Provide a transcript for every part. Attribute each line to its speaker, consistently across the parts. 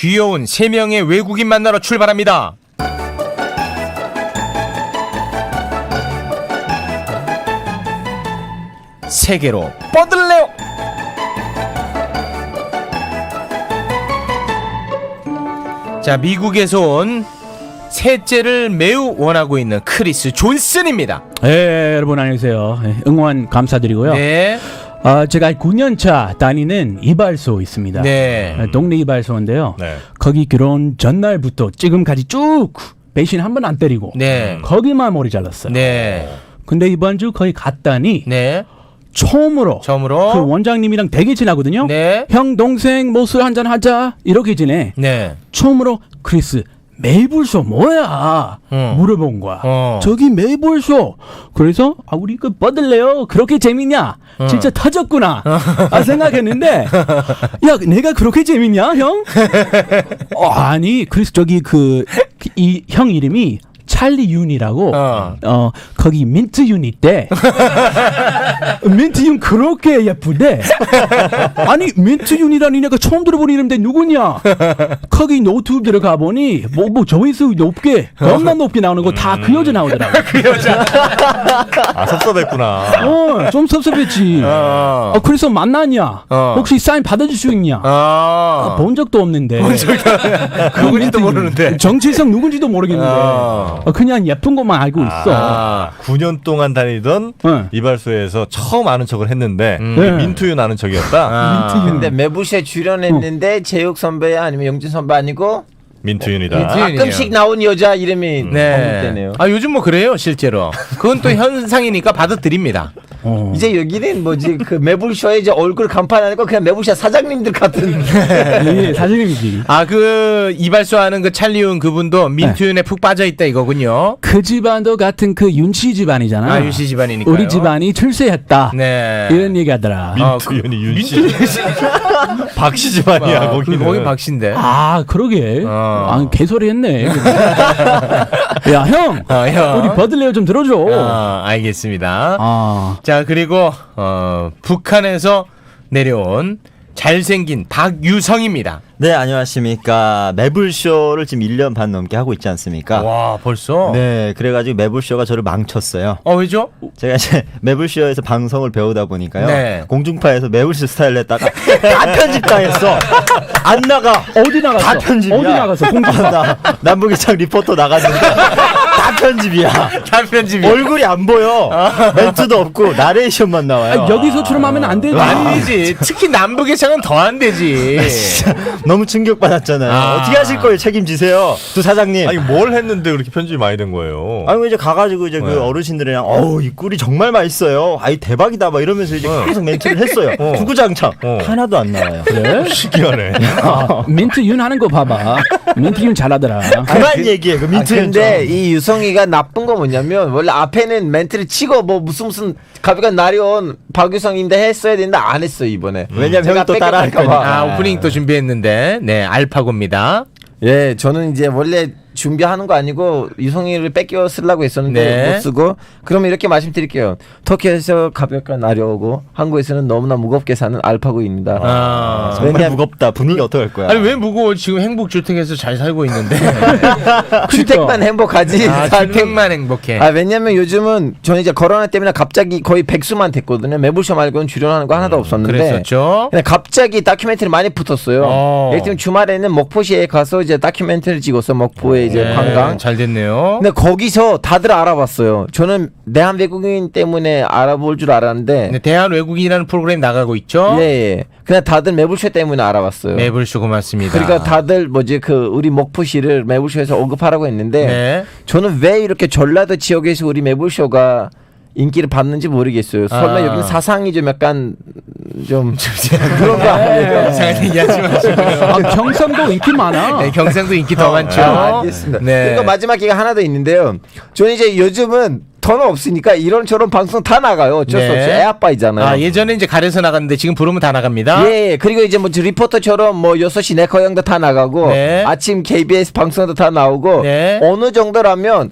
Speaker 1: 귀여운 3명의 외국인 만나러 출발합니다. 세계로 뻗을래요. 자, 미국에서 온 셋째를 매우 원하고 있는 크리스 존슨입니다.
Speaker 2: 네, 여러분 안녕하세요. 응원 감사드리고요.
Speaker 1: 네.
Speaker 2: 제가 9년차 다니는 이발소 있습니다.
Speaker 1: 네.
Speaker 2: 동네 이발소인데요.
Speaker 3: 네.
Speaker 2: 거기 결혼 전날부터 지금까지 쭉 배신 한 번 안 때리고
Speaker 1: 네.
Speaker 2: 거기만 머리 잘랐어요.
Speaker 1: 네.
Speaker 2: 근데 이번 주 거기 갔다니
Speaker 1: 네.
Speaker 2: 처음으로
Speaker 1: 처음으로
Speaker 2: 그 원장님이랑 되게 친하거든요.
Speaker 1: 네.
Speaker 2: 형 동생 뭐 술 한잔 하자 이렇게 지내.
Speaker 1: 네.
Speaker 2: 처음으로 크리스 메이블쇼 뭐야 물어본 거야. 저기 메이블쇼. 그래서 우리 그 뻗을래요 그렇게 재밌냐 진짜 터졌구나 생각했는데 야 내가 그렇게 재밌냐 형? 아니 크리스 저기 이 형 이름이 찰리 윤이라고 거기 민트 윤 있대. 민트 윤 그렇게 예쁘대. 아니 민트 윤이라니 내가 처음 들어본 이름인데 누구냐? 거기 노트북 들어가 보니 뭐 조회수 높게 겁나 높게 나오는 거 다 그 여자 나오더라고.
Speaker 1: 그 여자.
Speaker 3: 아 섭섭했구나.
Speaker 2: 좀 섭섭했지. 그래서 만났냐? 혹시 사인 받아줄 수 있냐? 본 적도 없는데.
Speaker 1: 누군지도 모르는데.
Speaker 2: 정체성 누군지도 모르겠는데. 그냥 예쁜 것만 알고 있어.
Speaker 3: 9년 동안 다니던 이발소에서 처음 아는 척을 했는데 민투윤 아는 척이었다.
Speaker 4: 근데 매부쇼에 출연했는데 제육 선배야 아니면 영진 선배 아니고
Speaker 3: 민투윤이다.
Speaker 4: 가끔씩 나온 여자 이름이 언급되네요.
Speaker 1: 요즘 뭐 그래요 실제로. 그건 또 현상이니까 받아들입니다.
Speaker 4: 이제 여기는 뭐지 그 매불쇼에 이제 얼굴 간판 아니고 그냥 매불쇼 사장님들 같은.
Speaker 2: 예, 사장님이지.
Speaker 1: 그 이발소 하는 그 찰리윤 그분도 민투윤에 푹 빠져 있다 이거군요.
Speaker 2: 그 집안도 같은 그 윤씨 집안이잖아.
Speaker 1: 윤씨 집안이니까.
Speaker 2: 우리 집안이 출세했다.
Speaker 1: 네.
Speaker 2: 이런 얘기하더라.
Speaker 3: 민투윤이 윤씨. 박씨 집안이야 거기는.
Speaker 1: 거기 박씨인데.
Speaker 2: 그러게. 개소리 했네. 야, 형. 우리 버들레어 좀 들어줘.
Speaker 1: 알겠습니다. 자, 그리고 북한에서 내려온 잘생긴 박유성입니다.
Speaker 5: 네, 안녕하십니까. 매불쇼를 지금 1년 반 넘게 하고 있지 않습니까?
Speaker 1: 와, 벌써?
Speaker 5: 네, 그래가지고 매불쇼가 저를 망쳤어요.
Speaker 1: 왜죠?
Speaker 5: 제가 이제 매불쇼에서 방송을 배우다 보니까요.
Speaker 1: 네.
Speaker 5: 공중파에서 매불쇼 스타일 냈다가 다 편집당했어. 안 나가.
Speaker 2: 어디 나갔어?
Speaker 5: 다 편집이야.
Speaker 2: 어디 나갔어?
Speaker 5: 나 남북이창 리포터 나갔는데 다 편집이야.
Speaker 1: 다 편집이야.
Speaker 5: 얼굴이 안 보여. 멘트도 없고 나레이션만 나와요.
Speaker 2: 여기서처럼 하면 안 되지.
Speaker 1: 아니지. 특히 남북의 창은 더 안 되지.
Speaker 5: 너무 충격받았잖아요. 어떻게 하실 거예요? 책임지세요. 두 사장님.
Speaker 3: 아니 뭘 했는데 그렇게 편집이 많이 된 거예요?
Speaker 5: 아니 이제 가가지고 이제 그 어르신들이랑 이 꿀이 정말 맛있어요. 아이 대박이다 막 이러면서 이제 계속 멘트를 했어요. 구구장창 하나도 안 나와요.
Speaker 2: 그래?
Speaker 3: 신기하네.
Speaker 2: 민트윤 하는 거 봐봐. 민트윤 잘하더라.
Speaker 5: 그만 얘기해. 그 민트.
Speaker 4: 근데 이 유성이가 나쁜 거 뭐냐면 원래 앞에는 멘트를 치고 뭐 무슨 가비가 나려온 박유성인데 했어야 되는데 안 했어 이번에.
Speaker 5: 왜냐면 형이 또 따라할 거니까.
Speaker 1: 오프닝 또 준비했는데. 네, 알파고입니다.
Speaker 4: 예, 저는 이제 원래 준비하는 거 아니고 유성이를 뺏겨 쓰려고 했었는데
Speaker 1: 네.
Speaker 4: 못 쓰고. 그러면 이렇게 말씀드릴게요. 터키에서 가볍게 나려오고 한국에서는 너무나 무겁게 사는 알파고입니다.
Speaker 5: 정말 무겁다. 분위기 어떡할 거야?
Speaker 1: 아니 왜 무거워? 지금 행복주택에서 잘 살고 있는데.
Speaker 4: 주택만 행복하지.
Speaker 1: 주택만 행복해.
Speaker 4: 왜냐면 요즘은 저는 이제 코로나 때문에 갑자기 거의 백수만 됐거든요. 매불쇼 말고는 출연하는 거 하나도 없었는데.
Speaker 1: 그랬었죠.
Speaker 4: 근데 갑자기 다큐멘터리 많이 붙었어요. 예를 들면 주말에는 목포시에 가서 이제 다큐멘터리 찍었어. 목포에 이제 관광.
Speaker 1: 잘 됐네요.
Speaker 4: 근데 거기서 다들 알아봤어요. 저는 대한 외국인 때문에 알아볼 줄 알았는데.
Speaker 1: 네, 대한 외국인이라는 프로그램 나가고 있죠.
Speaker 4: 예. 그냥 다들 매불쇼 때문에 알아봤어요.
Speaker 1: 매불쇼 고맙습니다.
Speaker 4: 그러니까 다들 우리 목포시를 매불쇼에서 언급하라고 했는데
Speaker 1: 네.
Speaker 4: 저는 왜 이렇게 전라도 지역에서 우리 매불쇼가 인기를 받는지 모르겠어요. 설마 여기는 사상이 좀 약간 좀 그런 거 아니에요?
Speaker 1: 이상한 얘기하지 마시고요.
Speaker 2: 경상도 인기 많아.
Speaker 1: 네, 경상도 인기 더 많죠.
Speaker 4: 알겠습니다.
Speaker 1: 네.
Speaker 4: 그리고 마지막 기가 하나 더 있는데요. 저는 이제 요즘은 돈 없으니까 이런저런 방송 다 나가요. 어쩔 수 없이 애 아빠이잖아요.
Speaker 1: 예전에 이제 가려서 나갔는데 지금 부르면 다 나갑니다.
Speaker 4: 예. 그리고 이제 뭐 리포터처럼 뭐 6시 내 고향도 다 나가고
Speaker 1: 네.
Speaker 4: 아침 KBS 방송도 다 나오고
Speaker 1: 네.
Speaker 4: 어느 정도라면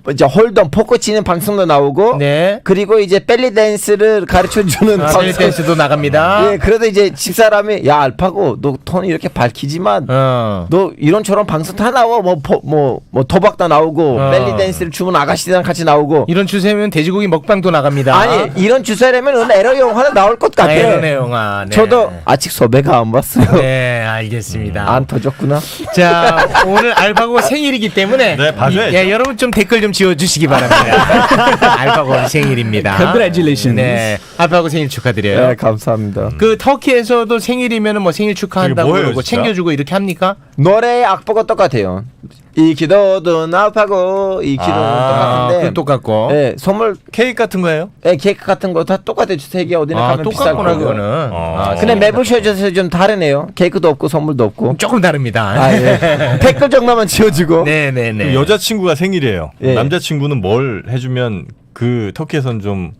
Speaker 4: 이제 홀덤 포커 치는 방송도 나오고
Speaker 1: 네.
Speaker 4: 그리고 이제 벨리 댄스를 가르쳐 주는
Speaker 1: 벨리 댄스도 나갑니다.
Speaker 4: 예, 그래도 이제 집사람이 야 알파고 너 톤이 이렇게 밝히지만 너 이런처럼 방송 다 나와 뭐 도박도 나오고 벨리 댄스를 추는 아가씨랑 같이 나오고
Speaker 1: 이런 추세면 돼지고기 먹방도 나갑니다.
Speaker 4: 아니 이런 주사라면 에러 영화나 나올 것 같아.
Speaker 1: 에러네 영화. 네.
Speaker 4: 저도 아직 섭외가 안 왔어요.
Speaker 1: 네, 알겠습니다.
Speaker 4: 안 터졌구나.
Speaker 1: 자, 오늘 알파고 생일이기 때문에
Speaker 3: 네, 봐줘야죠.
Speaker 1: 예, 여러분 좀 댓글 좀 지어주시기 바랍니다. 알파고 오늘 생일입니다.
Speaker 2: Congratulations.
Speaker 1: 네, 알파고 생일 축하드려요.
Speaker 4: 네, 감사합니다.
Speaker 1: 그 터키에서도 생일이면은 뭐 생일 축하한다고
Speaker 3: 그게 뭐예요,
Speaker 1: 그러고
Speaker 3: 진짜?
Speaker 1: 챙겨주고 이렇게 합니까?
Speaker 4: 노래 악보가 똑같아요. 이 기도도 나파고 이 기도는 똑같은데
Speaker 1: 그 똑같고.
Speaker 4: 네, 선물
Speaker 3: 케이크 같은 거예요?
Speaker 4: 네, 케이크 같은 거 다 똑같아요. 세계 어디나 가면 비쌀
Speaker 1: 똑같구나
Speaker 4: 거고요.
Speaker 1: 그거는.
Speaker 4: 근데 매불쇼에서 좀 다르네요. 케이크도 없고 선물도 없고.
Speaker 1: 조금 다릅니다.
Speaker 4: 아, 예. 댓글 정도만 지어주고.
Speaker 1: 네네네.
Speaker 3: 여자친구가 생일이에요.
Speaker 4: 예.
Speaker 3: 남자친구는 뭘 해주면 그 터키에선 좀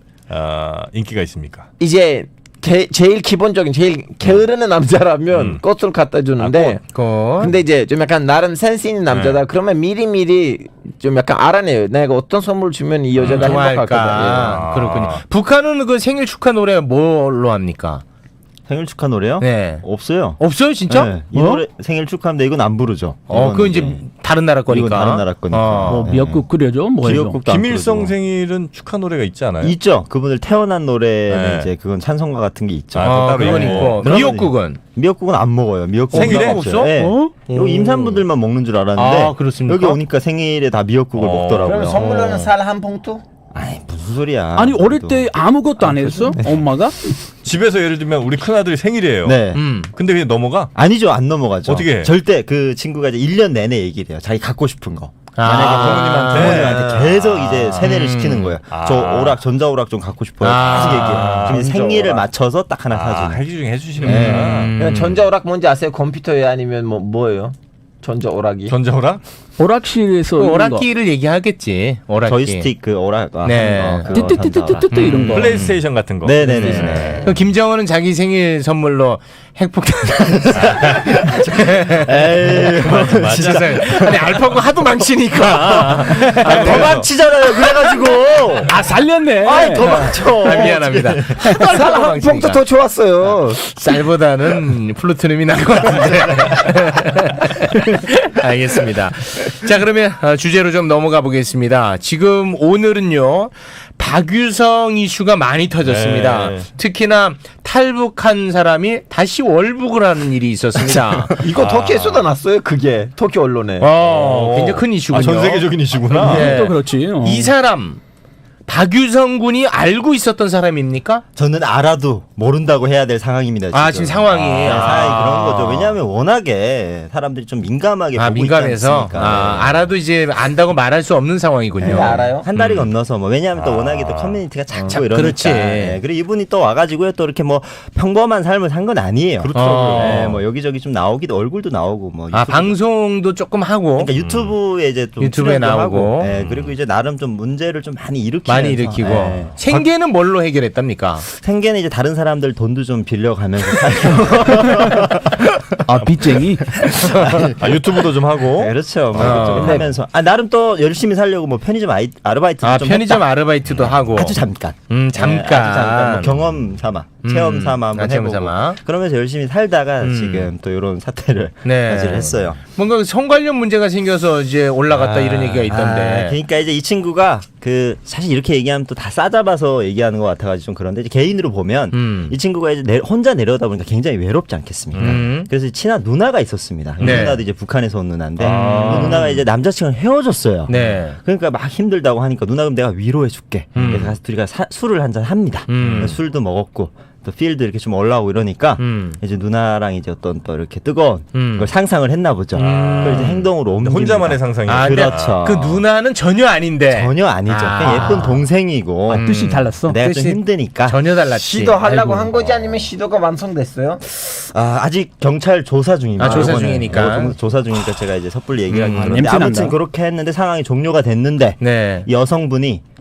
Speaker 3: 인기가 있습니까?
Speaker 4: 이제 제일 기본적인 제일 게으르는 남자라면 꽃을 갖다 주는데 근데 이제 좀 약간 나름 센스 있는 남자다 그러면 미리미리 좀 약간 알아내요. 내가 어떤 선물 주면 이 여자가 행복할 거다.
Speaker 1: 좋아할까. 그렇군요. 북한은 그 생일 축하 노래 뭘로 합니까?
Speaker 5: 생일 축하 노래요?
Speaker 1: 네.
Speaker 5: 없어요.
Speaker 1: 없어요 진짜?
Speaker 5: 네. 이 노래 생일 축하합니다. 이건 안 부르죠.
Speaker 1: 그거 이제 다른 나라 거니까.
Speaker 5: 이건 다른 나라 거니까.
Speaker 2: 뭐 미역국 끓여줘 뭐 해줘.
Speaker 5: 미역국도 안
Speaker 3: 김일성
Speaker 5: 부르고.
Speaker 3: 생일은 축하 노래가 있지 않아요?
Speaker 5: 있죠. 그분들 태어난 노래는
Speaker 3: 네.
Speaker 5: 이제 그건 찬송가 같은 게 있죠.
Speaker 3: 따로
Speaker 1: 그건
Speaker 3: 있고.
Speaker 1: 있고.
Speaker 5: 그러면
Speaker 1: 미역국은
Speaker 5: 미역국은 안 먹어요. 미역국
Speaker 3: 생일에
Speaker 1: 없어?
Speaker 5: 네.
Speaker 2: 어?
Speaker 5: 이거 임산부들만 먹는 줄 알았는데
Speaker 1: 아, 그렇습니까?
Speaker 5: 여기 오니까 생일에 다 미역국을 먹더라고요.
Speaker 4: 그럼 선물로는 쌀 한 봉투?
Speaker 5: 아이 무슨 소리야.
Speaker 2: 아니 어릴
Speaker 5: 그래도.
Speaker 2: 때 아무것도 안 했어? 엄마가?
Speaker 3: 집에서 예를 들면 우리 큰아들이 생일이에요.
Speaker 5: 네.
Speaker 3: 근데 그냥 넘어가?
Speaker 5: 아니죠. 안 넘어가죠.
Speaker 3: 어떻게 해?
Speaker 5: 절대 그 친구가 이제 1년 내내 얘기를 해요. 자기 갖고 싶은 거.
Speaker 3: 부모님한테?
Speaker 5: 부모님한테 계속 이제 세뇌를 시키는 거예요. 저 오락 전자오락 좀 갖고 싶어요. 계속 얘기해요. 그럼 생일을 맞춰서 딱 하나 사주는.
Speaker 3: 해기 중에 해주시는구나.
Speaker 4: 그냥 전자오락 뭔지 아세요? 컴퓨터에 아니면 뭐예요? 전자오락이?
Speaker 3: 전자오락?
Speaker 2: 오락실에서
Speaker 1: 그
Speaker 2: 이런 거.
Speaker 1: 오락기를 얘기하겠지. 오락기.
Speaker 5: 저이스틱 그 오락
Speaker 1: 네.
Speaker 5: 하는 거 그거
Speaker 2: 뜨뜨뜨뜨뜨뜨 이런 거.
Speaker 3: 플레이스테이션 같은 거.
Speaker 5: 네네네.
Speaker 1: 그 김정은은 자기 생일 선물로 핵폭탄.
Speaker 5: 에이
Speaker 1: 진짜. 아니 알파고 하도 망치니까.
Speaker 5: 더 망치잖아요. 그래가지고
Speaker 2: 아 살렸네.
Speaker 5: 아이 더 망쳐.
Speaker 1: 미안합니다.
Speaker 4: 쌀 한 봉투 더 좋았어요.
Speaker 1: 쌀보다는 플루토늄이 나을 것 같은데. 알겠습니다. 자 그러면 주제로 좀 넘어가 보겠습니다. 지금 오늘은요 박유성 이슈가 많이 터졌습니다.
Speaker 3: 네.
Speaker 1: 특히나 탈북한 사람이 다시 월북을 하는 일이 있었습니다.
Speaker 4: 이거 터키에서도 났어요. 그게 터키 언론에.
Speaker 1: 굉장히 큰 이슈군요.
Speaker 3: 전 세계적인 이슈구나.
Speaker 1: 네.
Speaker 2: 또 그렇지.
Speaker 1: 이 사람 박유성 군이 알고 있었던 사람입니까?
Speaker 5: 저는 알아도 모른다고 해야 될 상황입니다. 지금.
Speaker 1: 지금 상황이.
Speaker 5: 상황이 그런 거죠. 왜냐하면 워낙에 사람들이 좀 민감하게 보고
Speaker 1: 민감해서
Speaker 5: 있지 않습니까?
Speaker 1: 알아도 이제 안다고 말할 수 없는 상황이군요.
Speaker 4: 네, 알아요?
Speaker 5: 한 달이 건너서 뭐 왜냐하면 또 워낙에 또 커뮤니티가 작고 이러니까.
Speaker 1: 그렇지.
Speaker 5: 네, 그리고 이분이 또 와가지고요 또 이렇게 뭐 평범한 삶을 산 건 아니에요.
Speaker 3: 그렇더라고요.
Speaker 5: 네, 뭐 여기저기 좀 나오기도 얼굴도 나오고 뭐 유튜브-
Speaker 1: 방송도 조금 하고
Speaker 5: 그러니까 유튜브에 이제 좀
Speaker 1: 유튜브에
Speaker 5: 출연도
Speaker 1: 나오고.
Speaker 5: 하고, 네, 그리고 이제 나름 좀 문제를 좀 많이 일으키면서
Speaker 1: 많이 일으키고
Speaker 5: 네.
Speaker 1: 생계는 뭘로 해결했답니까?
Speaker 5: 생계는 이제 다른 사람들 돈도 좀 빌려가면서 살고
Speaker 2: 아 빚쟁이.
Speaker 3: 유튜브도 좀 하고.
Speaker 5: 네, 그렇죠. 뭐 이것저것 하면서 나름 또 열심히 살려고 뭐 편의점 아르바이트도 좀
Speaker 1: 편의점
Speaker 5: 했다.
Speaker 1: 아르바이트도 하고
Speaker 5: 아주 잠깐.
Speaker 1: 잠깐.
Speaker 5: 네, 아주 잠깐 뭐 경험 삼아 체험 삼아 한번
Speaker 1: 체험
Speaker 5: 해보고
Speaker 1: 삼아.
Speaker 5: 그러면서 열심히 살다가 지금 또 이런 사태를
Speaker 1: 네.
Speaker 5: 맞이를 했어요.
Speaker 1: 뭔가 성 관련 문제가 생겨서 이제 올라갔다 이런 얘기가 있던데.
Speaker 5: 그러니까 이제 이 친구가 그 사실 이렇게 얘기하면 또 다 싸잡아서 얘기하는 것 같아가지고 좀 그런데 이제 개인으로 보면 이 친구가 이제 혼자 내려오다 보니까 굉장히 외롭지 않겠습니까? 그래서 친한 누나가 있었습니다. 그
Speaker 1: 네.
Speaker 5: 누나도 이제 북한에서 온 누나인데 그 누나가 이제 남자친구랑 헤어졌어요.
Speaker 1: 네.
Speaker 5: 그러니까 막 힘들다고 하니까 누나 그럼 내가 위로해줄게. 그래서 가서 둘이 술을 한잔 합니다. 술도 먹었고 또 필드 이렇게 좀 올라오고 이러니까 이제 누나랑 이제 어떤 또 이렇게 뜨거운 걸 상상을 했나 보죠. 그걸 이제 행동으로 옮깁니다.
Speaker 3: 혼자만의 상상이에요.
Speaker 5: 그렇죠.
Speaker 1: 그 누나는 전혀 아닌데.
Speaker 5: 전혀 아니죠. 그냥 예쁜 동생이고
Speaker 2: 뜻이 달랐어.
Speaker 5: 내가 좀
Speaker 1: 뜻이
Speaker 5: 힘드니까
Speaker 1: 전혀 달랐지.
Speaker 4: 시도하려고
Speaker 1: 아이고.
Speaker 4: 한 거지 아니면 시도가 완성됐어요?
Speaker 5: 아직 경찰 조사 중입니다.
Speaker 1: 조사
Speaker 5: 이번에.
Speaker 1: 중이니까.
Speaker 5: 조사 중이니까 제가 이제 섣불리 얘기하기 그런데
Speaker 2: 냄새
Speaker 5: 아무튼
Speaker 2: 난다.
Speaker 5: 그렇게 했는데 상황이 종료가 됐는데
Speaker 1: 네.
Speaker 5: 이 여성분이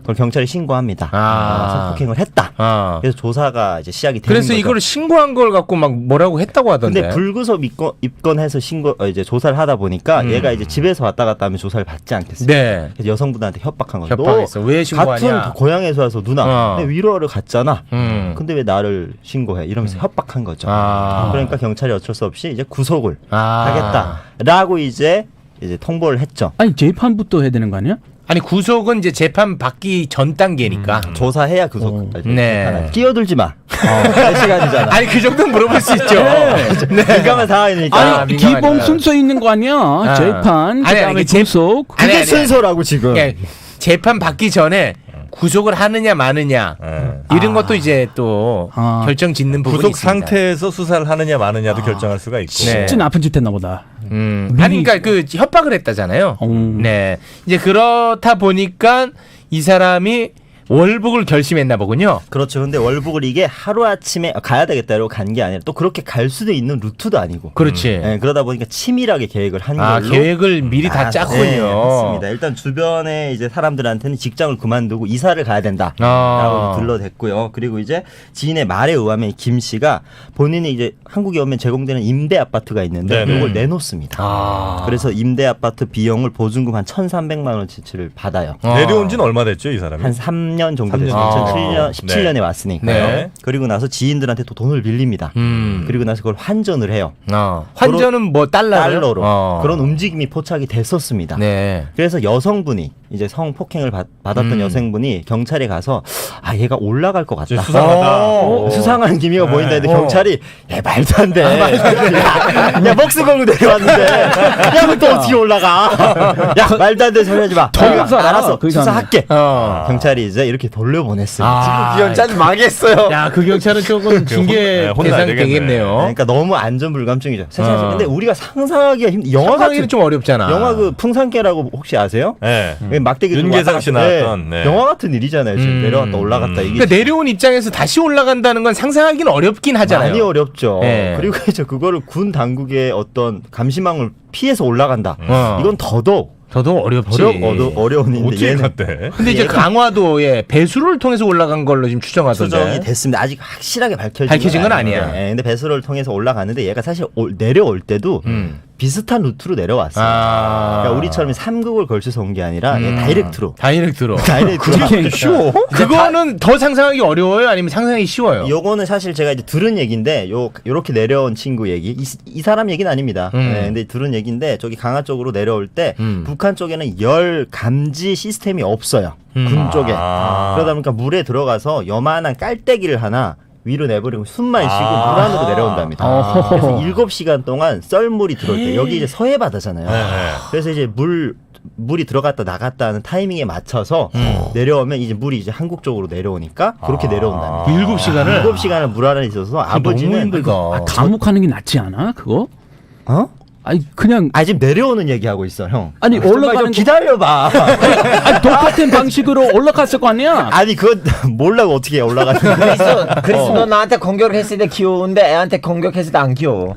Speaker 5: 그걸 경찰에 신고합니다. 성폭행을 했다. 그래서 조사가 이제 시작이 되는
Speaker 1: 그래서
Speaker 5: 거죠.
Speaker 1: 이걸 신고한 걸 갖고 막 뭐라고 했다고 하던데.
Speaker 5: 근데 불구속 입건해서 이제 조사를 하다 보니까 얘가 이제 집에서 왔다 갔다 하면 조사를 받지 않겠어요.
Speaker 1: 네.
Speaker 5: 그래서 여성분한테 협박한 거죠.
Speaker 1: 협박했어. 왜 신고하냐?
Speaker 5: 같은 고향에서 와서 누나 근데 위로하러 갔잖아. 근데 왜 나를 신고해? 이러면서 협박한 거죠. 그러니까 경찰이 어쩔 수 없이 이제 구속을 하겠다라고 이제 통보를 했죠.
Speaker 2: 아니 재판부터 해야 되는 거 아니야?
Speaker 1: 아니 구속은 이제 재판 받기 전 단계니까.
Speaker 5: 조사해야 구속.
Speaker 1: 네.
Speaker 5: 끼어들지 마. 몇 시간이잖아.
Speaker 1: 아니 그 정도는 물어볼 수 있죠. 네.
Speaker 5: 민감한 상황이니까.
Speaker 2: 아니 기본 순서 있는 거 아니야? 재판 그다음에 구속.
Speaker 5: 그게 순서라고 지금.
Speaker 1: 그러니까 재판 받기 전에 구속을 하느냐 마느냐 이런 것도 이제 또 결정 짓는 부분이
Speaker 3: 구속
Speaker 1: 있습니다.
Speaker 3: 상태에서 수사를 하느냐 마느냐도 결정할 수가 있고.
Speaker 1: 네.
Speaker 2: 진짜 나쁜 짓 했나 보다.
Speaker 1: 아니 그러니까 그 협박을 했다잖아요. 네. 이제 그렇다 보니까 이 사람이 월북을 결심했나 보군요.
Speaker 5: 그렇죠. 근데 월북을 이게 하루아침에 가야 되겠다고 간 게 아니라 또 그렇게 갈 수도 있는 루트도 아니고.
Speaker 1: 그렇지.
Speaker 5: 네, 그러다 보니까 치밀하게 계획을 한 걸로.
Speaker 1: 계획을 미리 다 짰군요.
Speaker 5: 네, 맞습니다. 일단 주변에 이제 사람들한테는 직장을 그만두고 이사를 가야 된다라고 들러댔고요. 그리고 이제 지인의 말에 의하면 김 씨가 본인이 이제 한국에 오면 제공되는 임대 아파트가 있는데 이걸 내놓습니다. 그래서 임대 아파트 비용을 보증금 한 1,300만 원치를 받아요.
Speaker 3: 내려온 지는 얼마 됐죠, 이 사람이?
Speaker 5: 한 3년 정도 됐어요. 2017년에 왔으니까요.
Speaker 3: 네.
Speaker 5: 그리고 나서 지인들한테 또 돈을 빌립니다. 그리고 나서 그걸 환전을 해요.
Speaker 1: 환전은 뭐 달러로?
Speaker 5: 그런 움직임이 포착이 됐었습니다.
Speaker 1: 네.
Speaker 5: 그래서 여성분이 이제 성폭행을 받았던 여성분이 경찰에 가서 얘가 올라갈 것 같다.
Speaker 3: 수상하다.
Speaker 5: 수상한 기미가 보인다 했는데 경찰이 말도 안 돼. 야 목숨 걸고 내려왔는데 야 너 또 어떻게 올라가. 야 말도 안 돼 소리 하지 마. 알았어 수사할게. 경찰이 이제 이렇게 돌려보냈습니다.
Speaker 4: 지금 기현찬 망했어요.
Speaker 1: 야, 그 경찰은 조금 징계 대상이 되겠네요.
Speaker 5: 그러니까 너무 안전불감증이죠. 근데 우리가 상상하기가 영화
Speaker 1: 상상하기는 좀 어렵잖아.
Speaker 5: 영화 그 풍산개라고 혹시 아세요?
Speaker 3: 네.
Speaker 5: 막대기
Speaker 3: 윤계상 씨 나왔던. 네.
Speaker 5: 영화 같은 일이잖아요. 지금 내려왔다 올라갔다 이게.
Speaker 1: 그러니까 내려온 입장에서 다시 올라간다는 건 상상하기는 어렵긴 하잖아요.
Speaker 5: 많이 어렵죠.
Speaker 1: 네.
Speaker 5: 그리고 이제 그거를 군 당국의 어떤 감시망을 피해서 올라간다. 이건 더더욱
Speaker 1: 어렵지.
Speaker 5: 어려운 일인데
Speaker 3: 어떻게
Speaker 5: 얘는
Speaker 3: 갔대?
Speaker 1: 근데 이제 강화도에 배수를 통해서 올라간 걸로 지금 추정하던데.
Speaker 5: 추정이 됐습니다. 아직 확실하게
Speaker 1: 밝혀진 건 아니야.
Speaker 5: 네, 근데 배수를 통해서 올라갔는데 얘가 사실 내려올 때도 비슷한 루트로 내려왔어요. 그러니까 우리처럼 3국을 걸쳐서 온 게 아니라 다이렉트로.
Speaker 1: 그렇게 쉬워? 그거는 더 상상하기 어려워요? 아니면 상상하기 쉬워요?
Speaker 5: 요거는 사실 제가 이제 들은 얘기인데 요렇게 내려온 친구 얘기 이 사람 얘기는 아닙니다. 네, 근데 들은 얘기인데 저기 강화 쪽으로 내려올 때 북한 쪽에는 열 감지 시스템이 없어요. 군 쪽에. 그러다 보니까 물에 들어가서 요만한 깔때기를 하나 위로 내버리고 숨만 쉬고 물 안으로 내려온답니다. 그래서 7시간 동안 썰물이 들어올 때 여기 이제 서해 바다잖아요. 그래서 이제 물이 들어갔다 나갔다 하는 타이밍에 맞춰서 내려오면 이제 물이 이제 한국 쪽으로 내려오니까 그렇게 내려온답니다. 7시간을 물 안에 있어서 아버지는
Speaker 2: 감옥하는 게 낫지 않아? 그거? 아니 그냥
Speaker 5: 지금 내려오는 얘기하고 있어 형.
Speaker 2: 아니 올라가는
Speaker 5: 기다려봐.
Speaker 2: 아니 똑같은 방식으로 올라갔을 거 아니야?
Speaker 5: 아니 그건 몰라고 어떻게 올라가는데.
Speaker 4: 그래서 너 나한테 공격을 했을 때 귀여운데 애한테 공격했을 때 안 귀여워.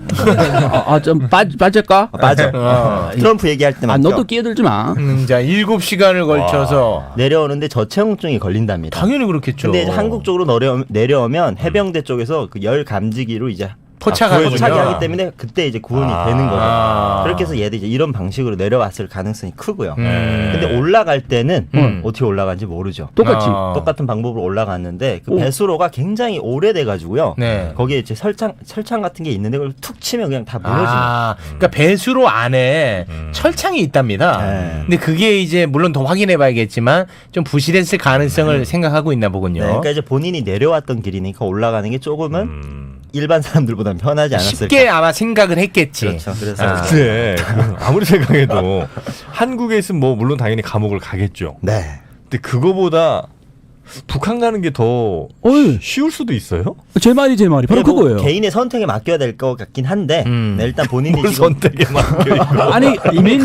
Speaker 2: 좀 빠질까?
Speaker 5: 맞아. 트럼프 얘기할 때 맞죠.
Speaker 2: 너도 끼어들지 마.
Speaker 1: 자, 7시간을 걸쳐서
Speaker 5: 내려오는데 저체온증이 걸린답니다.
Speaker 1: 당연히 그렇겠죠.
Speaker 5: 근데 이제 한국 쪽으로 내려오면 해병대 쪽에서 그 열 감지기로 이제
Speaker 1: 포착하기
Speaker 5: 때문에 그때 이제 구원이 되는 거죠. 그렇게 해서 얘들이 이제 이런 방식으로 내려왔을 가능성이 크고요. 근데 올라갈 때는 어떻게 올라간지 모르죠. 똑같은 방법으로 올라갔는데 그 배수로가 굉장히 오래돼 가지고요. 거기에 이제 철창 같은 게 있는데 그걸 툭 치면 그냥 다 무너지는.
Speaker 1: 그러니까 배수로 안에 철창이 있답니다. 근데 그게 이제 물론 더 확인해 봐야겠지만 좀 부실했을 가능성을 생각하고 있나 보군요.
Speaker 5: 그러니까 이제 본인이 내려왔던 길이니까 올라가는 게 조금은 일반 사람들보다는 편하지 않았을까.
Speaker 1: 쉽게 아마 생각을 했겠지.
Speaker 5: 그렇죠. 그래서
Speaker 3: 근데 아무리 생각해도 한국에 있으면 뭐 물론 당연히 감옥을 가겠죠.
Speaker 5: 네.
Speaker 3: 근데 그거보다 북한 가는 게 더 쉬울 수도 있어요?
Speaker 2: 제 말이 바로 그거예요.
Speaker 5: 개인의 선택에 맡겨야 될 것 같긴 한데 네, 일단 본인이 지금
Speaker 3: 선택에 맡겨 있고.
Speaker 2: 아니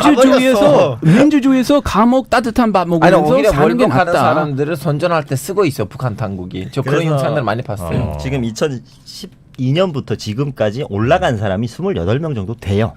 Speaker 2: 민주주의에서 감옥 따뜻한 밥 먹으면서
Speaker 4: 오히려
Speaker 2: 사는 게
Speaker 4: 월북하는
Speaker 2: 낫다.
Speaker 4: 사람들을 선전할 때 쓰고 있어 북한 당국이. 저 그런 영상들 많이 봤어요.
Speaker 5: 지금 2012년부터 지금까지 올라간 사람이 28명 정도 돼요.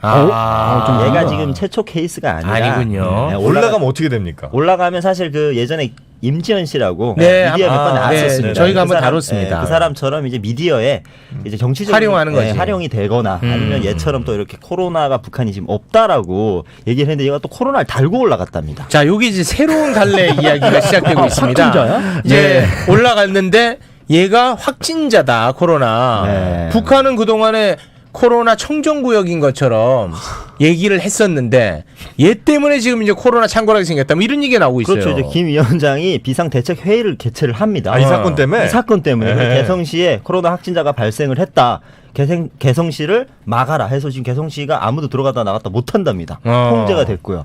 Speaker 5: 얘가 지금 최초 케이스가 아니라.
Speaker 1: 아니군요.
Speaker 5: 네,
Speaker 3: 올라가면 어떻게 됩니까?
Speaker 5: 올라가면 사실 그 예전에 임지연 씨라고
Speaker 1: 네,
Speaker 5: 미디어에 몇 번 나왔었습니다.
Speaker 1: 네, 저희가 한번
Speaker 5: 사람,
Speaker 1: 다뤘습니다.
Speaker 5: 그 사람처럼 이제 미디어에 이제 정치적으로
Speaker 1: 활용하는 거지.
Speaker 5: 활용이 되거나 아니면 얘처럼 또 이렇게 코로나가 북한이 지금 없다라고 얘기를 했는데 얘가 또 코로나를 달고 올라갔답니다.
Speaker 1: 자, 여기 이제 새로운 갈래 이야기가 시작되고 있습니다.
Speaker 2: 확진자야?
Speaker 1: 이제 올라갔는데 얘가 확진자다, 코로나.
Speaker 5: 네.
Speaker 1: 북한은 그동안에 코로나 청정구역인 것처럼 얘기를 했었는데 얘 때문에 지금 이제 코로나 창궐하게 생겼다. 뭐 이런 얘기가 나오고 있어요.
Speaker 5: 그렇죠. 이제 김 위원장이 비상대책 회의를 개최를 합니다.
Speaker 3: 이 사건 때문에?
Speaker 5: 이 사건 때문에
Speaker 3: 네.
Speaker 5: 개성시에 코로나 확진자가 발생을 했다. 개성시를 막아라 해서 지금 개성시가 아무도 들어갔다 나갔다 못 한답니다. 통제가 됐고요.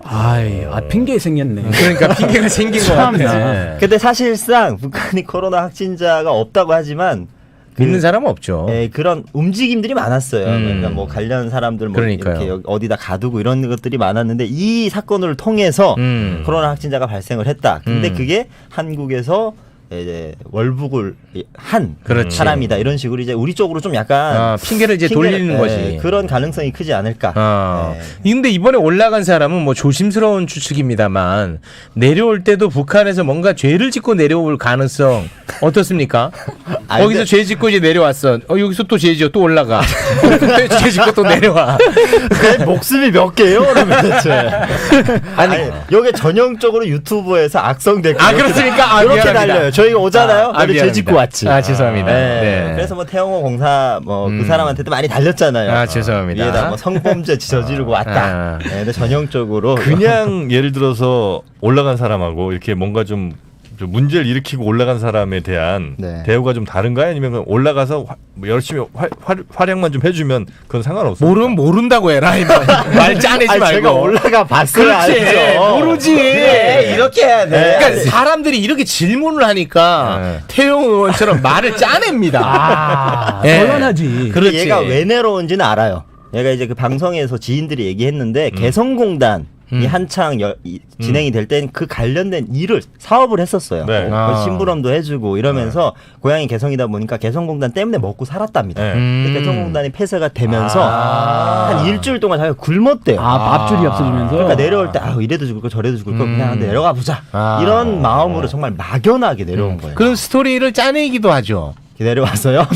Speaker 2: 핑계 생겼네.
Speaker 1: 그러니까 핑계가 생긴 것 같아.
Speaker 2: 참나.
Speaker 5: 근데 사실상 북한이 코로나 확진자가 없다고 하지만
Speaker 1: 믿는 사람은 없죠.
Speaker 5: 그런 움직임들이 많았어요. 그러니까 뭐 관련 사람들 뭐
Speaker 1: 그러니까요.
Speaker 5: 이렇게 어디다 가두고 이런 것들이 많았는데 이 사건을 통해서 코로나 확진자가 발생을 했다. 근데 그게 한국에서 이제 월북을 한
Speaker 1: 그렇지.
Speaker 5: 사람이다 이런 식으로 이제 우리 쪽으로 좀 약간
Speaker 1: 핑계를 이제 돌리는 거지.
Speaker 5: 그런 가능성이 크지 않을까.
Speaker 1: 근데 이번에 올라간 사람은 뭐 조심스러운 추측입니다만 내려올 때도 북한에서 뭔가 죄를 짓고 내려올 가능성 어떻습니까?
Speaker 5: 아니,
Speaker 1: 거기서
Speaker 5: 근데-
Speaker 1: 죄 짓고 이제 내려왔어. 여기서 또 죄 지어 또 올라가. 죄 짓고 또 내려와.
Speaker 5: 그 목숨이 몇 개요? 그러면 대체. 아니, 여기 전형적으로 유튜브에서 악성 댓글
Speaker 1: 그렇습니까?
Speaker 5: 이렇게
Speaker 1: 미안합니다.
Speaker 5: 달려요. 저희가 오잖아요. 우리 죄
Speaker 1: 미안합니다.
Speaker 5: 짓고 왔지.
Speaker 1: 죄송합니다.
Speaker 5: 네.
Speaker 1: 네.
Speaker 5: 그래서 뭐 태영호 공사 뭐 그 사람한테도 많이 달렸잖아요.
Speaker 1: 죄송합니다.
Speaker 5: 위에다 뭐 성범죄 저지르고 왔다. 네, 근데 전형적으로
Speaker 3: 그냥 예를 들어서 올라간 사람하고 이렇게 뭔가 좀 문제를 일으키고 올라간 사람에 대한
Speaker 5: 네.
Speaker 3: 대우가 좀 다른가요? 아니면 그냥 올라가서 뭐 열심히 활약만 좀 해주면 그건 상관없어요.
Speaker 1: 모른다고 해라. 말 짜내지
Speaker 5: 아니,
Speaker 1: 말고.
Speaker 5: 제가 올라가 봤어요.
Speaker 1: 그렇지.
Speaker 5: 알죠.
Speaker 1: 모르지.
Speaker 4: 네, 이렇게 해야 돼.
Speaker 1: 그러니까 사람들이 이렇게 질문을 하니까
Speaker 3: 네.
Speaker 1: 태용 의원처럼 말을 짜냅니다. 예.
Speaker 2: 곤란하지.
Speaker 1: 그렇지.
Speaker 5: 얘가 왜 내려온지는 알아요. 얘가 이제 그 방송에서 지인들이 얘기했는데 개성공단이 한창 진행이 될 땐 그 관련된 일을 사업을 했었어요.
Speaker 3: 네.
Speaker 5: 뭐 심부름도 해주고 이러면서 고향이 개성이다 보니까 개성공단 때문에 먹고 살았답니다.
Speaker 3: 네.
Speaker 5: 근데 개성공단이 폐쇄가 되면서 한 일주일 동안 자기가 굶었대요.
Speaker 2: 밥줄이 없어지면서.
Speaker 5: 그러니까 내려올 때 이래도 죽을 거 저래도 죽을 거 그냥 내려가 보자 이런 마음으로 정말 막연하게 내려온 거예요.
Speaker 1: 그런 스토리를 짜내기도 하죠.
Speaker 5: 내려와서요.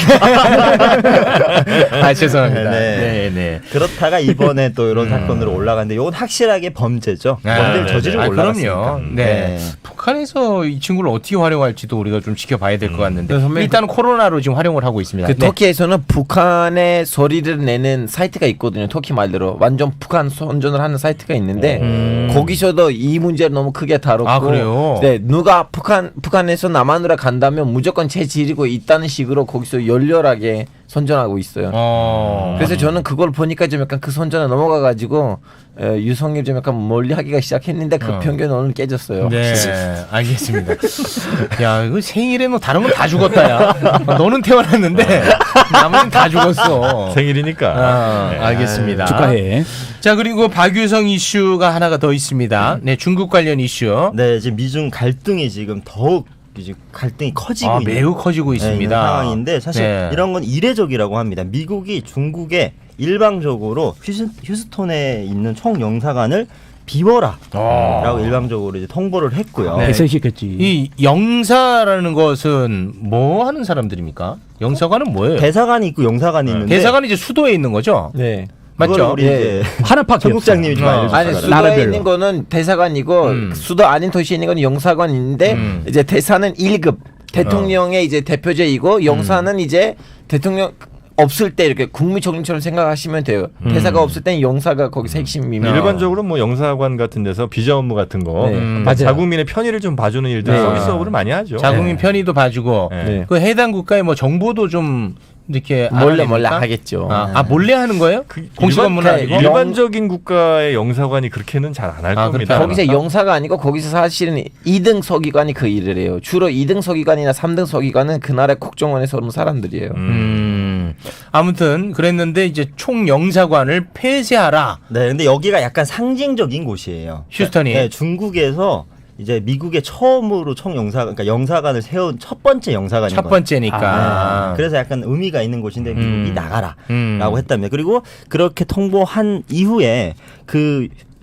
Speaker 1: 죄송합니다.
Speaker 5: 네.
Speaker 1: 네.
Speaker 5: 그렇다가 이번에 또 이런 사건으로 올라갔는데 이건 확실하게 범죄죠. 범죄를 저지르고 올라갔으니까.
Speaker 1: 그럼요. 네. 북한에서 이 친구를 어떻게 활용할지도 우리가 좀 지켜봐야 될 것 같는데 일단은 코로나로 지금 활용을 하고 있습니다.
Speaker 4: 그
Speaker 1: 네.
Speaker 4: 터키에서는 북한의 소리를 내는 사이트가 있거든요. 터키 말대로 완전 북한 선전을 하는 사이트가 있는데 거기서도 이 문제를 너무 크게 다뤘고,
Speaker 1: 그래요?
Speaker 4: 네, 누가 북한에서 남한으로 간다면 무조건 재지르고 있다는 식으로 거기서 열렬하게 선전하고 있어요. 그래서 저는 그걸 보니까 좀 약간 그 선전에 넘어가가지고 유성일 좀 약간 멀리하기가 시작했는데 그 편견 오늘 깨졌어요.
Speaker 1: 네, 알겠습니다. 야, 이거 생일에 뭐 다른 건 다 죽었다, 야. 너는 태어났는데 나머지는 다 죽었어.
Speaker 3: 생일이니까. 네.
Speaker 1: 알겠습니다.
Speaker 2: 축하해.
Speaker 1: 자, 그리고 박유성 이슈가 하나가 더 있습니다. 네, 중국 관련 이슈.
Speaker 5: 네, 지금 미중 갈등이 지금 더욱 이제 갈등이 커지고 있는
Speaker 1: 매우 커지고 있습니다.
Speaker 5: 있는 상황인데 사실
Speaker 1: 네.
Speaker 5: 이런 건 이례적이라고 합니다. 미국이 중국에 일방적으로 휴스톤에 있는 총영사관을 비워라라고 일방적으로 이제 통보를 했고요.
Speaker 1: 네.
Speaker 2: 배설시켰지.
Speaker 1: 이 영사라는 것은 뭐 하는 사람들입니까? 영사관은 뭐예요?
Speaker 5: 대사관이 있고 영사관이 있는데
Speaker 1: 대사관은 이제 수도에 있는 거죠?
Speaker 4: 네.
Speaker 5: 그걸
Speaker 1: 맞죠?
Speaker 5: 우리 이제
Speaker 2: 하나밖에
Speaker 5: 청국장님이 좀
Speaker 1: 없어.
Speaker 5: 알려주세요.
Speaker 4: 아니 수도에
Speaker 2: 나라별로.
Speaker 4: 있는 거는 대사관이고 수도 아닌 도시에 있는 건 영사관인데 이제 대사는 1급 대통령의 이제 대표제이고 영사는 이제 대통령 없을 때 이렇게 국무총리처럼 생각하시면 돼요. 대사가 없을 때는 영사가 거기서 핵심입니다.
Speaker 3: 일반적으로 뭐 영사관 같은 데서 비자 업무 같은 거
Speaker 4: 맞아요.
Speaker 3: 자국민의 편의를 좀 봐주는 일들 서비스업을 많이 하죠.
Speaker 1: 자국민 편의도 봐주고
Speaker 3: 네.
Speaker 1: 그 해당 국가의 뭐 정보도 좀 이렇게
Speaker 4: 몰래
Speaker 1: 알아냅니까?
Speaker 4: 하겠죠.
Speaker 1: 몰래 하는 거예요? 공식 업무는 아니고?
Speaker 3: 일반적인 국가의 영사관이 그렇게는 잘 안 할 겁니다.
Speaker 4: 거기서 영사가 아니고 거기서 사실은 2등 서기관이 그 일을 해요. 주로 2등 서기관이나 3등 서기관은 그 나라의 국정원에서 오는 사람들이에요.
Speaker 1: 아무튼 그랬는데 이제 총영사관을 폐쇄하라.
Speaker 5: 네, 근데 여기가 약간 상징적인 곳이에요.
Speaker 1: 휴스턴이.
Speaker 5: 네, 중국에서 이제 미국의 처음으로 그러니까 영사관을 세운 첫 번째 영사관인
Speaker 1: 첫
Speaker 5: 거예요.
Speaker 1: 번째니까.
Speaker 5: 그래서 약간 의미가 있는 곳인데 미국이 나가라라고
Speaker 1: 음.
Speaker 5: 했답니다. 그리고 그렇게 통보한 이후에 그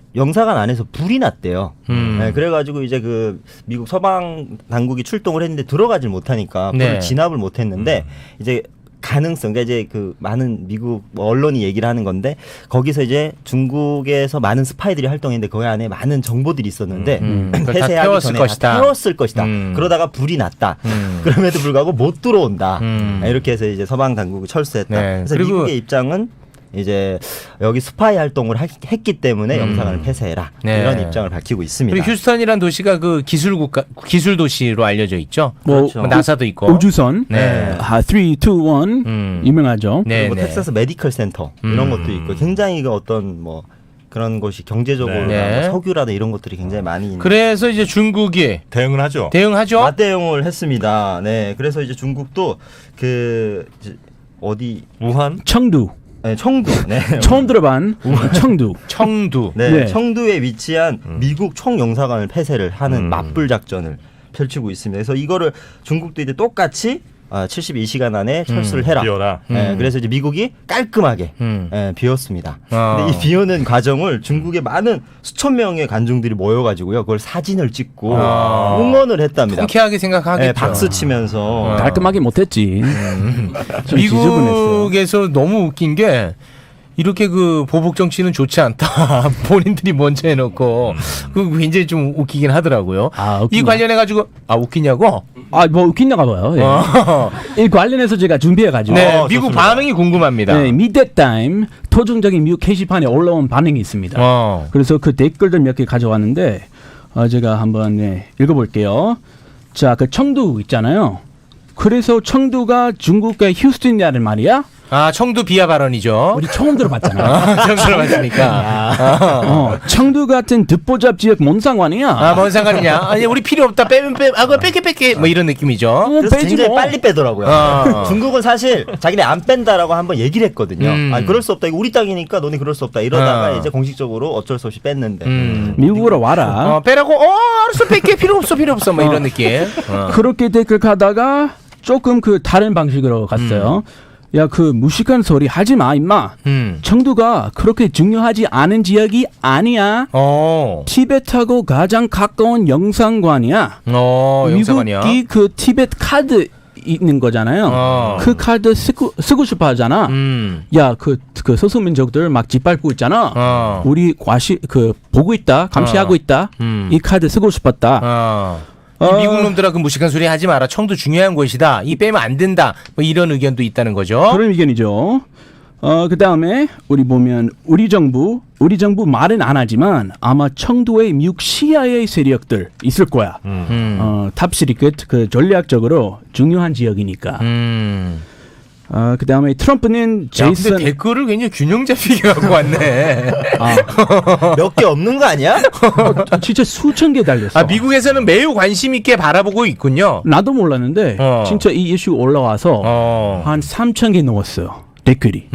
Speaker 5: 영사관 안에서 불이 났대요. 네, 그래가지고 이제 그 미국 서방 당국이 출동을 했는데 들어가질 못하니까 불을
Speaker 1: 네.
Speaker 5: 진압을 못했는데 이제 가능성, 그러니까 이제 그 많은 미국 언론이 얘기를 하는 건데 거기서 이제 중국에서 많은 스파이들이 활동했는데 거기 안에 많은 정보들이 있었는데
Speaker 1: 그걸 다
Speaker 5: 폐쇄하기
Speaker 1: 태웠을
Speaker 5: 전에
Speaker 1: 것이다.
Speaker 5: 다 태웠을 것이다. 그러다가 불이 났다. 그럼에도 불구하고 못 들어온다. 이렇게 해서 이제 서방 당국이 철수했다.
Speaker 1: 네.
Speaker 5: 그래서
Speaker 1: 그리고
Speaker 5: 미국의 입장은 이제 여기 스파이 활동을 했기 때문에 영사관을 폐쇄해라.
Speaker 1: 네.
Speaker 5: 이런 입장을 밝히고 있습니다.
Speaker 1: 그리고 휴스턴이란 도시가 그 기술 도시로 알려져 있죠.
Speaker 2: 그렇죠.
Speaker 1: 뭐 나사도 있고.
Speaker 2: 우주선
Speaker 1: 네.
Speaker 2: 3, 2, 1 유명하죠.
Speaker 1: 네,
Speaker 5: 그리고
Speaker 1: 네.
Speaker 5: 텍사스 메디컬 센터 이런 것도 있고 굉장히 그 어떤 뭐 그런 것이 경제적으로
Speaker 1: 네.
Speaker 5: 뭐 석유라든 이런 것들이 굉장히 많이 있는.
Speaker 1: 그래서 이제 중국이
Speaker 3: 대응을 하죠.
Speaker 1: 대응하죠.
Speaker 5: 맞대응을 했습니다. 네, 그래서 이제 중국도 그 이제 어디
Speaker 3: 우한
Speaker 2: 청두.
Speaker 5: 네, 청두. 네.
Speaker 2: 처음 들어본 청두.
Speaker 1: 청두.
Speaker 5: 네,
Speaker 2: 네.
Speaker 5: 청두에 위치한 미국 총영사관을 폐쇄를 하는 맞불 작전을 펼치고 있습니다. 그래서 이거를 중국도 이제 똑같이 72시간 안에 철수를 해라.
Speaker 3: 비워라.
Speaker 5: 네, 그래서 이제 미국이 깔끔하게 비웠습니다. 근데 이 비우는 과정을 중국의 많은 수천 명의 관중들이 모여가지고요, 그걸 사진을 찍고 응원을 했답니다.
Speaker 1: 통쾌하게 생각하겠죠.
Speaker 5: 네, 박수 치면서
Speaker 2: 깔끔하게 못했지. 좀 지저분했어요.
Speaker 1: 미국에서 너무 웃긴 게 이렇게 그 보복 정치는 좋지 않다. 본인들이 먼저 해놓고 그 굉장히 좀 웃기긴 하더라고요.
Speaker 2: 아,
Speaker 1: 이
Speaker 2: 웃기냐.
Speaker 1: 관련해 가지고 웃기냐고?
Speaker 2: 뭐 웃긴가 봐요. 예. 이 관련해서 제가 준비해가지고.
Speaker 1: 네, 미국 반응이 궁금합니다.
Speaker 2: 네, 미드타임 토종적인 미국 게시판에 올라온 반응이 있습니다. 그래서 그 댓글들 몇 개 가져왔는데 제가 한번 읽어볼게요. 자, 그 청두 있잖아요. 그래서 청두가 중국의 휴스턴이라는 말이야?
Speaker 1: 청두 비하 발언이죠.
Speaker 2: 우리 처음 들어봤잖아.
Speaker 1: 처음 들어봤으니까.
Speaker 2: 청두 같은 듣보잡 지역 뭔 상관이야?
Speaker 1: 뭔 상관이냐? 아니 우리 필요 없다. 빼면 그거 뺄게. 뭐 이런 느낌이죠.
Speaker 5: 그래서
Speaker 2: 빼지
Speaker 5: 굉장히
Speaker 2: 뭐.
Speaker 5: 빨리 빼더라고요. 중국은 사실 자기네 안 뺀다라고 한번 얘기를 했거든요. 그럴 수 없다. 이거 우리 땅이니까 너네 그럴 수 없다. 이러다가 이제 공식적으로 어쩔 수 없이 뺐는데.
Speaker 2: 미국으로 와라.
Speaker 1: 빼라고. 알았어. 뺄게. 필요 없어. 뭐 이런 느낌.
Speaker 2: 그렇게 댓글 가다가 조금 그 다른 방식으로 갔어요. 야, 그 무식한 소리 하지 마, 임마. 청두가 그렇게 중요하지 않은 지역이 아니야. 티베트하고 가장 가까운 영상관이야.
Speaker 1: 영상관이야.
Speaker 2: 미국이 그 티베트 카드 있는 거잖아요. 그 카드 쓰고 싶어 하잖아. 야, 그 소수민족들 막 짓밟고 있잖아. 우리 보고 있다, 감시하고 있다. 이 카드 쓰고 싶었다.
Speaker 1: 이 미국 놈들아 그 무식한 소리 하지 마라. 청도 중요한 곳이다. 이 빼면 안 된다. 뭐 이런 의견도 있다는 거죠.
Speaker 2: 그런 의견이죠. 그 다음에 우리 보면 우리 정부 말은 안 하지만 아마 청도에 미국 CIA 세력들 있을 거야. 탑시리켓 그 전략적으로 중요한 지역이니까. 그 다음에 트럼프는 제이슨.
Speaker 1: 근데 댓글을 굉장히 균형 잡히게 갖고 왔네.
Speaker 5: 몇 개 없는 거 아니야?
Speaker 2: 진짜 수천 개 달렸어.
Speaker 1: 미국에서는 매우 관심 있게 바라보고 있군요.
Speaker 2: 나도 몰랐는데 진짜 이 이슈 올라와서 한 3천 개 넘었어요. 댓글이.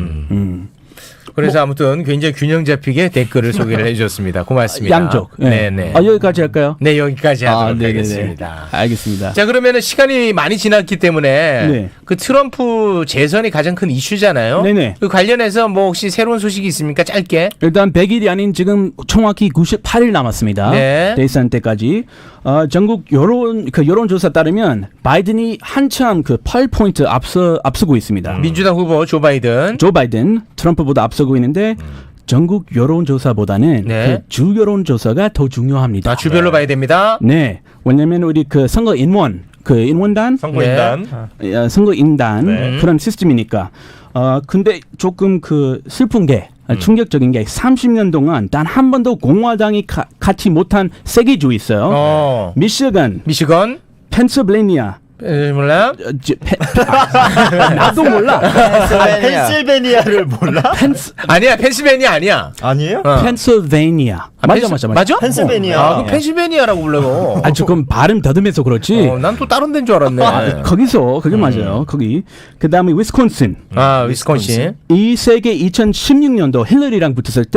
Speaker 1: 그래서 아무튼 굉장히 균형 잡히게 댓글을 소개를 해주셨습니다. 고맙습니다.
Speaker 2: 양쪽.
Speaker 1: 네네.
Speaker 2: 여기까지 할까요?
Speaker 1: 네, 여기까지 하도록
Speaker 2: 네네네.
Speaker 1: 하겠습니다.
Speaker 2: 알겠습니다.
Speaker 1: 자, 그러면은 시간이 많이 지났기 때문에
Speaker 2: 네.
Speaker 1: 그 트럼프 재선이 가장 큰 이슈잖아요.
Speaker 2: 네네.
Speaker 1: 그 관련해서 뭐 혹시 새로운 소식이 있습니까? 짧게.
Speaker 2: 일단 100일이 아닌 지금 정확히 98일 남았습니다.
Speaker 1: 네.
Speaker 2: 대선 때까지. 전국 여론조사 따르면 바이든이 한참 그 8포인트 앞서고 있습니다.
Speaker 1: 민주당 후보 조 바이든.
Speaker 2: 조 바이든 트럼프보다 앞서고 있는데 전국 여론조사보다는
Speaker 1: 네.
Speaker 2: 그 주 여론조사가 더 중요합니다.
Speaker 1: 주별로 봐야 됩니다.
Speaker 2: 네. 왜냐면 우리 그 인원단
Speaker 3: 선거인단.
Speaker 2: 선거인단
Speaker 3: 네.
Speaker 2: 그런 시스템이니까. 근데 조금 그 슬픈 게 충격적인 게 30년 동안 단 한 번도 공화당이 갖지 못한 세 개 주 있어요. 미시건, 펜실베니아.
Speaker 1: 몰라?
Speaker 2: 나도 몰라.
Speaker 5: 펜실베니아를 몰라?
Speaker 1: 아니야, 펜실베니아 아니야.
Speaker 5: 아니에요?
Speaker 2: 펜실베니아. 맞아.
Speaker 5: 펜실베니아.
Speaker 1: 그 펜실베니아라고 불러요.
Speaker 2: 조금 발음 더듬해서 그렇지.
Speaker 1: 난 또 다른 데인 줄 알았네.
Speaker 2: 거기서 그게 맞아요. 거기. 그다음에 위스콘신.
Speaker 1: 위스콘신.
Speaker 2: 이 세 개 2016년도 힐러리랑 붙었을 때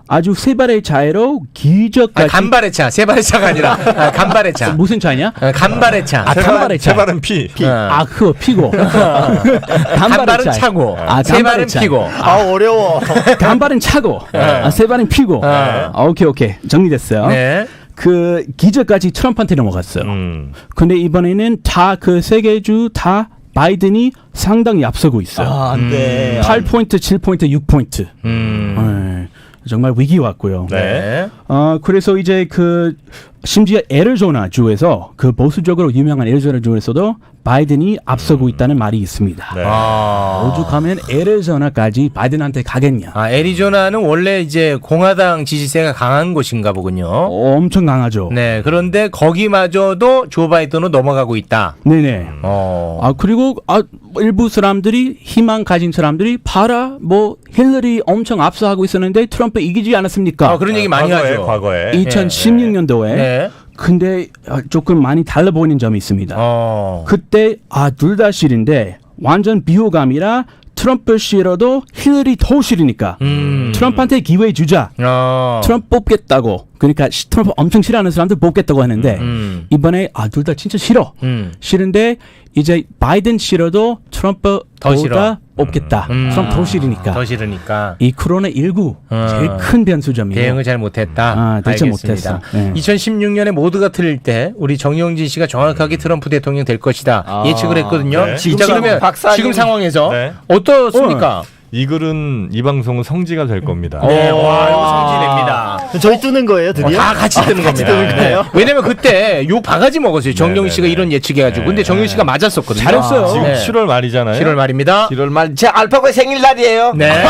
Speaker 2: 아주 세 발의 차이로 기적까지.
Speaker 1: 간발의 차, 세 발의 차가 아니라 간발의 차.
Speaker 2: 무슨 차이냐?
Speaker 1: 간발의 차.
Speaker 2: 간발의 차.
Speaker 3: 세 발은 피.
Speaker 2: 그거 피고.
Speaker 1: 간발은 차고, 세 발은 피고.
Speaker 5: 어려워.
Speaker 2: 간발은 차고, 세 발은 피고. 오케이. 정리됐어요.
Speaker 1: 네.
Speaker 2: 그 기적까지 트럼프한테 넘어갔어요. 근데 이번에는 다 그 세 개 주 다 바이든이 상당히 앞서고 있어요.
Speaker 5: 안 돼.
Speaker 2: 8포인트, 7포인트, 6포인트. 정말 위기 왔고요.
Speaker 3: 네.
Speaker 2: 그래서 이제 그 심지어 애리조나 주에서 그 보수적으로 유명한 애리조나 주에서도 바이든이 앞서고 있다는 말이 있습니다.
Speaker 3: 네.
Speaker 2: 오죽하면 애리조나까지 바이든한테 가겠냐?
Speaker 1: 애리조나는 원래 이제 공화당 지지세가 강한 곳인가 보군요.
Speaker 2: 엄청 강하죠.
Speaker 1: 네, 그런데 거기마저도 조 바이든으로 넘어가고 있다.
Speaker 2: 네네. 그리고 일부 사람들이 희망 가진 사람들이 봐라 뭐 힐러리 엄청 앞서하고 있었는데 트럼프 이기지 않았습니까?
Speaker 1: 그런 얘기 많이 하죠.
Speaker 3: 과거에.
Speaker 2: 2016년도에.
Speaker 1: 네.
Speaker 2: 근데 조금 많이 달라 보이는 점이 있습니다. 그때 둘 다 실인데 완전 비호감이라 트럼프 싫어도 힐러리 더 싫으니까 트럼프한테 기회 주자. 트럼프 뽑겠다고. 그러니까 트럼프 엄청 싫어하는 사람들 뽑겠다고 하는데 이번에 둘 다 진짜 싫어. 싫은데 이제 바이든 싫어도 트럼프
Speaker 1: 더 싫어.
Speaker 2: 뽑겠다. 트럼프 더 싫으니까.
Speaker 1: 더 싫으니까.
Speaker 2: 이 코로나19 제일 큰 변수점이에요.
Speaker 1: 대응을 잘 못했다.
Speaker 2: 대체
Speaker 1: 알겠습니다.
Speaker 2: 못했어. 네.
Speaker 1: 2016년에 모두가 틀릴 때 우리 정영진 씨가 정확하게 트럼프 대통령 될 것이다 예측을 했거든요.
Speaker 3: 네.
Speaker 1: 자, 그러면 지금 상황에서
Speaker 3: 네.
Speaker 1: 어떻습니까?
Speaker 3: 이 글은 이 방송은 성지가 될 겁니다.
Speaker 1: 네, 와, 이거 성지됩니다.
Speaker 5: 저희 뜨는 거예요, 드디어?
Speaker 1: 다 같이 뜨는 겁니다.
Speaker 5: 뜨는 거예요?
Speaker 1: 네. 왜냐면 그때 욕 바가지 먹었어요. 정영 씨가
Speaker 3: 네.
Speaker 1: 이런 예측해가지고. 근데 정영 씨가 맞았었거든요.
Speaker 2: 잘했어요.
Speaker 3: 지금
Speaker 1: 네.
Speaker 3: 7월 말이잖아요.
Speaker 1: 7월 말입니다.
Speaker 4: 7월 말 제 알파고의 생일날이에요.
Speaker 1: 네.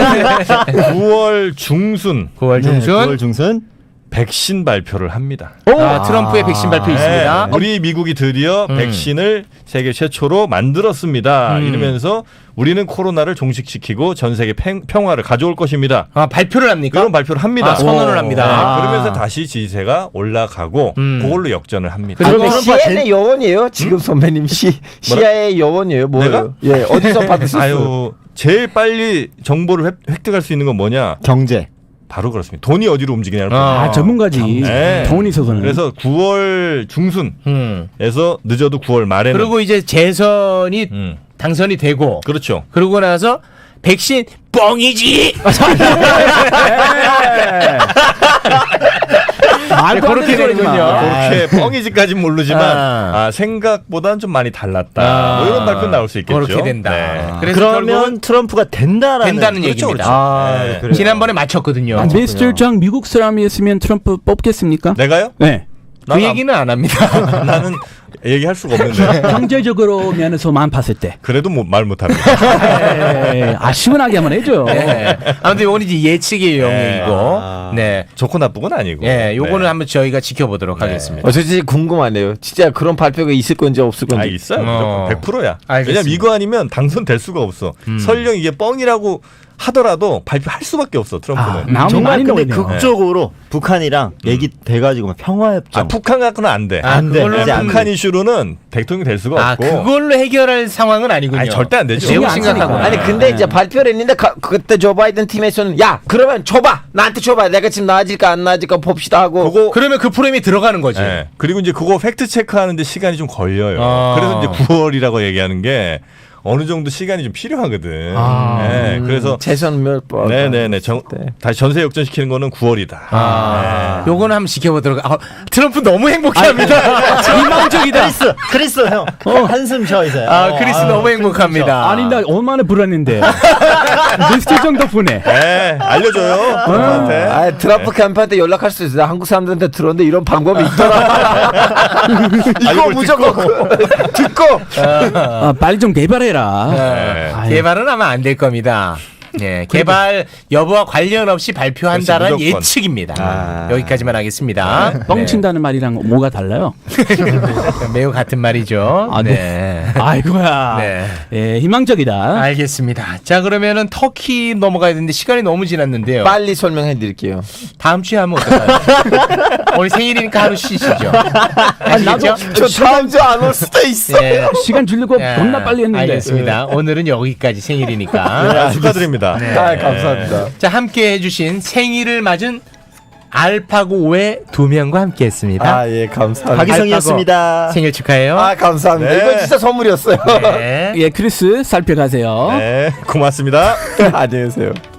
Speaker 3: 9월 중순
Speaker 1: 9월 중순.
Speaker 5: 9월 중순.
Speaker 3: 백신 발표를 합니다.
Speaker 1: 트럼프의 백신 발표 있습니다.
Speaker 3: 우리 미국이 드디어 백신을 세계 최초로 만들었습니다. 이러면서 우리는 코로나를 종식시키고 전 세계 평화를 가져올 것입니다.
Speaker 1: 발표를 합니까?
Speaker 3: 그런 발표를 합니다.
Speaker 1: 선언을 합니다.
Speaker 3: 네, 그러면서 다시 지지세가 올라가고 그걸로 역전을 합니다.
Speaker 1: 그러면
Speaker 4: CNN의 여원이에요. 지금 선배님 CIA의 여원이에요. 뭐예요?
Speaker 3: 내가?
Speaker 4: 예, 어디서 받으셨어요?
Speaker 3: 아유, 제일 빨리 정보를 획득할 수 있는 건 뭐냐?
Speaker 5: 경제.
Speaker 3: 바로 그렇습니다. 돈이 어디로 움직이냐를
Speaker 2: 전문가지.
Speaker 3: 네.
Speaker 2: 돈이 있어서는.
Speaker 3: 그래서 9월 중순에서 늦어도 9월 말에는
Speaker 1: 그리고 이제 재선이 당선이 되고
Speaker 3: 그렇죠.
Speaker 1: 그러고 나서 백신 뻥이지. 그렇게 되는군요.
Speaker 3: 그렇게 뻥이지까지는 모르지만 생각보다는 좀 많이 달랐다. 뭐 이런 발표 나올 수 있겠죠.
Speaker 1: 그렇게 된다.
Speaker 3: 네.
Speaker 1: 그래서
Speaker 5: 그러면 트럼프가 된다는
Speaker 1: 그렇죠, 얘기입니다.
Speaker 3: 네.
Speaker 5: 그래요.
Speaker 1: 지난번에 맞췄거든요.
Speaker 2: 미스터 장 미국 사람이었으면 트럼프 뽑겠습니까?
Speaker 3: 내가요?
Speaker 2: 네.
Speaker 1: 그 얘기는 안 합니다.
Speaker 3: 나는 얘기할 수가 없는데.
Speaker 2: 경제적으로 면에서만 봤을 때.
Speaker 3: 그래도 말 못합니다.
Speaker 2: 시원하게 한번 해줘.
Speaker 1: 네. 아무튼 이건 이제 예측의 영역이고, 네,
Speaker 3: 좋고 나쁘건 아니고.
Speaker 1: 네, 요거는
Speaker 3: 네.
Speaker 1: 한번 저희가 지켜보도록 하겠습니다.
Speaker 4: 저 진짜 궁금하네요. 진짜 그런 발표가 있을 건지 없을 건지.
Speaker 3: 있어요. 무조건 100%야.
Speaker 1: 알겠습니다.
Speaker 3: 왜냐면 이거 아니면 당선될 수가 없어. 설령 이게 뻥이라고 하더라도 발표할 수밖에 없어 트럼프는.
Speaker 2: 마음이
Speaker 5: 정말
Speaker 2: 많이
Speaker 5: 근데
Speaker 2: 놓이네요.
Speaker 5: 극적으로 북한이랑 얘기 돼가지고 평화협정.
Speaker 3: 북한 갖고는 안 돼.
Speaker 5: 안 돼.
Speaker 1: 그걸로는
Speaker 5: 이제 안
Speaker 3: 북한 이슈로는 대통령 될 수가 없고.
Speaker 1: 그걸로 해결할 상황은 아니군요.
Speaker 3: 아니, 절대 안 되죠.
Speaker 1: 매우
Speaker 2: 신경 안
Speaker 1: 심각하구나.
Speaker 2: 쓰니까.
Speaker 4: 아니 근데 이제 발표를 했는데 그때 조 바이든 팀에서는 야 그러면 줘봐 나한테 줘봐 내가 지금 나아질까 안 나아질까 봅시다 하고
Speaker 1: 그러면 그 프레임이 들어가는 거지.
Speaker 3: 네. 그리고 이제 그거 팩트 체크하는데 시간이 좀 걸려요. 그래서 이제 9월이라고 얘기하는 게 어느 정도 시간이 좀 필요하거든. 네. 그래서
Speaker 4: 재선 몇 번.
Speaker 3: 네네네. 다시 전세 역전시키는 거는 9월이다.
Speaker 1: 요거는 한번 지켜보도록. 트럼프 너무 행복해합니다. 희망적이다.
Speaker 5: 크리스 형. 한숨 쉬어 이제.
Speaker 1: 크리스 너무 행복합니다.
Speaker 2: 아니 나 얼마나 불안했는데. 미스터 정 덕분에.
Speaker 3: 네, 알려줘요. 저한테.
Speaker 4: 트럼프 캠프한테 연락할 수 있어. 한국 사람들한테 들었는데 이런 방법이 있더라. 이거 무조건 듣고.
Speaker 2: 빨리 좀 개발해라.
Speaker 3: 네.
Speaker 1: 개발은 아마 안 될 겁니다. 네, 개발 여부와 관련 없이 발표한다는
Speaker 3: 그렇지, 무조건.
Speaker 1: 예측입니다. 여기까지만 하겠습니다.
Speaker 2: 뻥친다는 말이랑 뭐가 달라요?
Speaker 1: 매우 같은 말이죠.
Speaker 2: 네.
Speaker 1: 네.
Speaker 2: 아이고야.
Speaker 1: 네.
Speaker 2: 예, 희망적이다.
Speaker 1: 알겠습니다. 자, 그러면은 터키 넘어가야 되는데 시간이 너무 지났는데요.
Speaker 4: 빨리 설명해 드릴게요.
Speaker 1: 다음 주에 하면 어떨까요? 오늘 생일이니까 하루 쉬시죠. 아시겠죠?
Speaker 4: 저 다음 주 안 올 수도 있어.
Speaker 1: 네.
Speaker 2: 시간 주려고
Speaker 1: 야,
Speaker 2: 겁나 빨리 했는데.
Speaker 1: 알겠습니다. 오늘은 여기까지 생일이니까.
Speaker 3: 축하드립니다.
Speaker 1: 네.
Speaker 4: 아, 감사합니다.
Speaker 1: 자, 함께 해주신 생일을 맞은 알파고의 두 명과 함께했습니다.
Speaker 4: 아, 예, 감사합니다.
Speaker 5: 박이성이었습니다.
Speaker 1: 생일 축하해요.
Speaker 4: 아, 감사합니다.
Speaker 3: 네.
Speaker 4: 이거 진짜 선물이었어요.
Speaker 1: 네.
Speaker 2: 예, 크리스 살펴가세요.
Speaker 3: 네, 고맙습니다.
Speaker 4: 안녕히 계세요.